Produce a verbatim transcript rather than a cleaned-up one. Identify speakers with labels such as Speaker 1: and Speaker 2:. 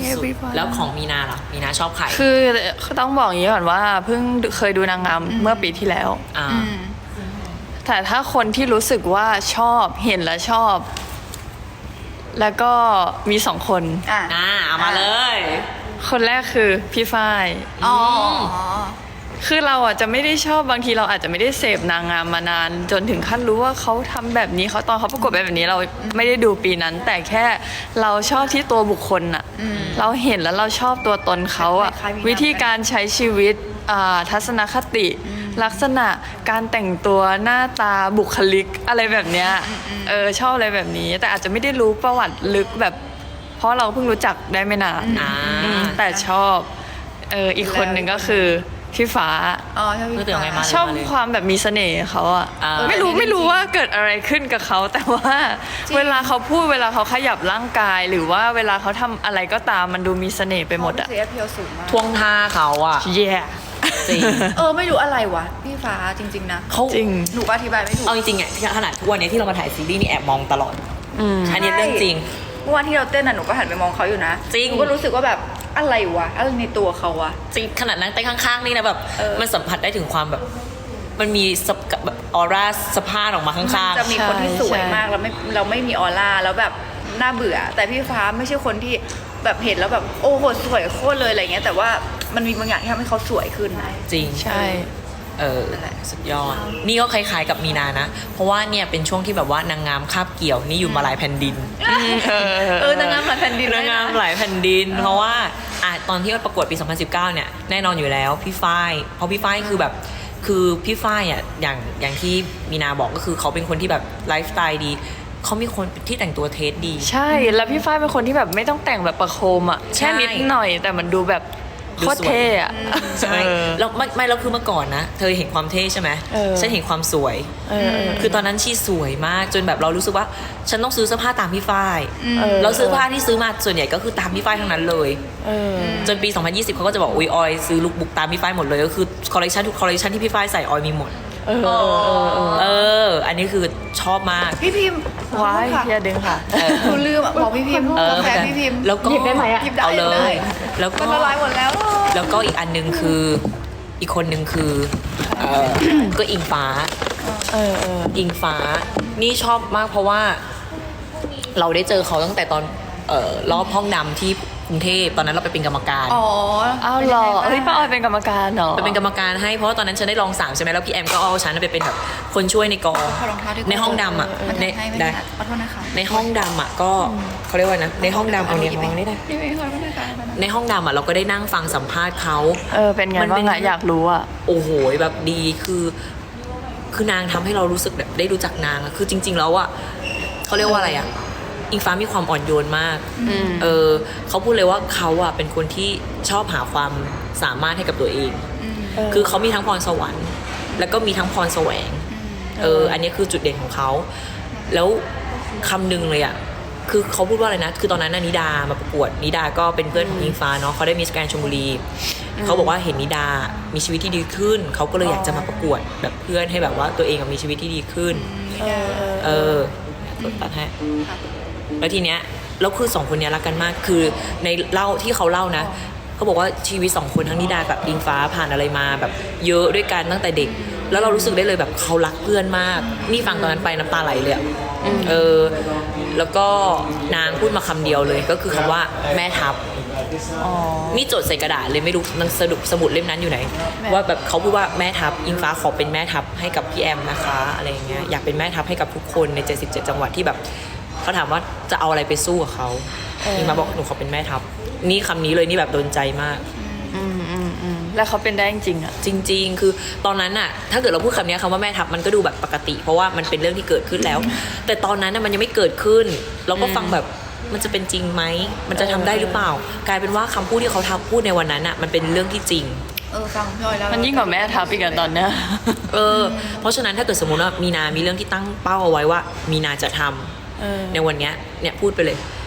Speaker 1: สุดๆแล้วของมีนาล่ะมีนาชอบใคร
Speaker 2: คือต้องบอกอย่างนี้ก่อนว่าเพิ่งเคยดูนางงามเมื่อปีที่แล้ว
Speaker 1: อ่า
Speaker 2: แต่ถ้าคนที่รู้สึกว่าชอบเห็นแล้วชอบ แล้วก็มีสองคน
Speaker 3: อ่า
Speaker 1: เอามาเลย
Speaker 2: คนแรกคือพี่ฝ้าย
Speaker 3: อ๋อ
Speaker 2: คือเราอ่ะจะไม่ได้ชอบบางทีเราอาจจะไม่ได้เสพนางงามมานาน จนถึงขั้นรู้ว่าเขาทำแบบนี้เขาตอนเขาประกวดแบบนี้เราไม่ได้ดูปีนั้น แต่แค่เราชอบที่ตัวบุคคลอ่ะเราเห็นแล้วเราชอบตัวตนเขาอ่ะวิธีการใช้ชีวิตทัศนคติลักษณะการแต่งตัวหน้าตาบุคลิกอะไรแบบเนี้ยเออชอบอะไรแบบนี้แต่อาจจะไม่ได้รู้ประวัติลึกแบบเพราะเราเพิ่งรู้จักได้ไม่นานแต่ชอบเอออีกคนหนึ่งก็คือพี่ฟ้า
Speaker 3: อ๋อชอบพี่ฟ้า
Speaker 2: ชอบความแบบมีเสน่ห์เขาอะไม่รู้ไม่รู้ว่าเกิดอะไรขึ้นกับเขาแต่ว่าเวลาเขาพูดเวลาเขาขยับร่างกายหรือว่าเวลาเขาทำอะไรก็ตามมันดูมีเสน่ห์ไปหมดอะ
Speaker 1: ท่วงท่าเขาอะ
Speaker 2: เย่
Speaker 1: จริง
Speaker 3: เออไม่รู้อะไรวะพี่ฟ้าจริงๆนะ
Speaker 1: เขา
Speaker 2: จริง
Speaker 3: หนูอธิบายไม่ถูก
Speaker 1: เอาจริงๆอะขนาดทุกวันนี้ที่เรามาถ่ายซีรีส์นี่แอบมองตลอดอันนี้เรื่องจริง
Speaker 3: เมื่อวานที่เราเต้นน่ะหนูก็หันไปมองเขาอยู่นะ
Speaker 1: จริง
Speaker 3: หนูก็รู้สึกว่าแบบอะไรวะอะไรในตัวเขาวะ
Speaker 1: จริงขนาดนั่งเต้นข้างๆนี่นะแบบมันสัมผัสได้ถึงความแบบมันมีแบบออร่าสะพานออกมาข้างๆ
Speaker 3: จะมีคนที่สวยมากแล้วไม่เราไม่มีออร่าแล้วแบบน่าเบื่อแต่พี่ฟ้าไม่ใช่คนที่แบบเห็นแล้วแบบโอ้โหสวยโคตรเลยอะไรเงี้ยแต่ว่ามันมีบางอย่างที่ทำให้เขาสวยขึ้นนะ
Speaker 1: จริง
Speaker 2: ใช่
Speaker 1: เออสุดยอดนี่ก็คล้ายๆกับมีนานะเพราะว่าเนี่ยเป็นช่วงที่แบบว่านางงามคาบเกี่ยวนี่อยู่มาหลายแผ่นดิน
Speaker 3: เออนางงามหลายแผ่นดิน
Speaker 1: นางงามหลายแผ่นดินเพราะว่าอ่ะตอนที่ประกวดปีสองพันสิบเก้าเนี่ยแน่นอนอยู่แล้วพี่ฝ้ายเพราะพี่ฝ้ายคือแบบคือพี่ฝ้ายอ่ะอย่างอย่างที่มีนาบอกก็คือเขาเป็นคนที่แบบไลฟ์สไตล์ดีเขามีคนที่แต่งตัวเทสดี
Speaker 2: ใช่แล้วพี่ฝ้ายเป็นคนที่แบบไม่ต้องแต่งแบบประโคมอ่ะแค่นิดหน่อยแต่มันดูแบบโคตรเท่อะ
Speaker 1: ใช่แล้วไม่ไม่แล้วคือเมื่อก่อนนะเธอเห็นความเท่ใช่ไหมฉันเห็นความสวยคือตอนนั้นชีสวยมากจนแบบเรารู้สึกว่าฉันต้องซื้อเสื้อผ้าตามพี่ฝ้ายเราซื้อผ้าที่ซื้อมาส่วนใหญ่ก็คือตามพี่ฝ้ายทั้งนั้นเลยจนปีสองพันยี่สิบเขาก็จะบอกอุ้ยออยซื้อลุคบุ๊กตามพี่ฝ้ายหมดเลยก็คือคอลเลคชันทุกคอลเลคชันที่พี่ฝ้ายใส่ออยมีหมด
Speaker 2: เออ
Speaker 1: เอออันนี้คือชอบมาก
Speaker 3: พี่พิมพ์
Speaker 2: ว้ายอย่าดึงค่ะ
Speaker 3: หนูลืมบอกพี่พิมพ์แพ้พี่พิมพ์
Speaker 1: แล้วก็
Speaker 2: หยิบได้ไหมอ่ะ
Speaker 3: หยิบได้
Speaker 1: เลยแล้วก็
Speaker 3: ละลายหมดแล้ว
Speaker 1: แล้วก็อีกอันนึงคืออีกคนนึงคือเออก็อิงฟ้า
Speaker 2: เออเออ
Speaker 1: อิงฟ้านี่ชอบมากเพราะว่าเราได้เจอเขาตั้งแต่ตอนเอ่อรอบห้องดำที่กรุงเทพตอนนั้นเราไปเป็นกรรมการ
Speaker 3: อ๋อ
Speaker 2: อ้าวเหรอเฮ้ยป้าออยเป็นกรรมการเหรอ
Speaker 1: ไปเป็นกรรมการให้เพราะว่าตอนนั้นฉันได้รองสามใช่ไหมแล้วพี่แอมก็เอาฉันไปเป็นแบบคนช่วยในกองในห้องดำอ่ะใน
Speaker 3: ได้ขอโทษนะคะ
Speaker 1: ในห้องดำอ่ะก็เขาเรียกว่านะในห้องดำเอาเนี่ยมองได้ในห้องดำอ่ะเราก็ได้นั่งฟังสัมภาษณ์เขา
Speaker 2: เออเป็นไงบ้างอะอยากรู้อ่ะ
Speaker 1: โอ้โหแบบดีคือคือนางทำให้เรารู้สึกแบบได้รู้จักนางอ่ะคือจริงๆแล้วอ่ะเขาเรียกว่าอะไรอ่ะอิงฟ้ามีความอ่อนโยนมากเออเขาพูดเลยว่าเขาอ่ะเป็นคนที่ชอบหาความสามารถให้กับตัวเองคือเขามีทั้งพรสวรรค์แล้วก็มีทั้งพรแสวงเอออันนี้คือจุดเด่นของเขาแล้วคำหนึ่งเลยอ่ะคือเขาพูดว่าอะไรนะคือตอนนั้นนิดามาประกวดนิดาก็เป็นเพื่อนของอิงฟ้าเนาะเขาได้มิสแกรนด์ชลบุรีเขาบอกว่าเห็นนิดามีชีวิตที่ดีขึ้นเขาก็เลยอยากจะมาประกวดแบบเพื่อนให้แบบว่าตัวเองมีชีวิตที่ดีขึ้นเออตัดให้แล้วทีเนี้ยแล้วคือสองคนนี้รักกันมากคือในเล่าที่เขาเล่านะเขาบอกว่าชีวิตสองคนทั้งนิดากับอิงฟ้าผ่านอะไรมาแบบเยอะด้วยกันตั้งแต่เด็กแล้วเรารู้สึกได้เลยแบบเขารักเพื่อนมากนี่ฟังตอนนั้นไปน้ำตาไหลเลยเออแล้วก็นางพูดมาคำเดียวเลยก็คือคำว่าแม่ทัพนี่จดใส่กระดาษเลยไม่รู้หนังสรุปสมุดเล่มนั้นอยู่ไหนว่าแบบเขาพูดว่าแม่ทัพอิงฟ้าขอเป็นแม่ทัพให้กับพี่แอมนะคะอะไรอย่างเงี้ยอยากเป็นแม่ทัพให้กับทุกคนในเจ็ดสิบเจ็ดจังหวัดที่แบบเขาถามว่าจะเอาอะไรไปสู้กับเขาอิงฟ้าบอกหนูขอเป็นแม่ทัพนี่คำนี้เลยนี่แบบโดนใจมาก
Speaker 2: อืมอืมอืมแล้วเขาเป็นได้จริงๆอ่ะ
Speaker 1: จริงๆคือตอนนั้นอ่ะถ้าเกิดเราพูดคำนี้คำว่าแม่ทัพมันก็ดูแบบปกติเพราะว่ามันเป็นเรื่องที่เกิดขึ้นแล้วแต่ตอนนั้นน่ะมันยังไม่เกิดขึ้นเราก็ฟังแบบมันจะเป็นจริงไหมมันจะทำได้หรือเปล่ากลายเป็นว่าคำพูดที่เขาทำพูดในวันนั้นอ่ะมันเป็นเรื่องที่จริง
Speaker 3: เออฟังพี่ออยแล้ว
Speaker 2: มันยิ่งกว่าแม่ทัพอีกตอนเนี้ย
Speaker 1: เออเพราะฉะนั้นถ้าเกิดสมมติว่ามีนามีเรื่องที่ตั้งเป้าเอาไว้ว่ามีนาจะทำในวันนี้เนี่ยพูดไปเลย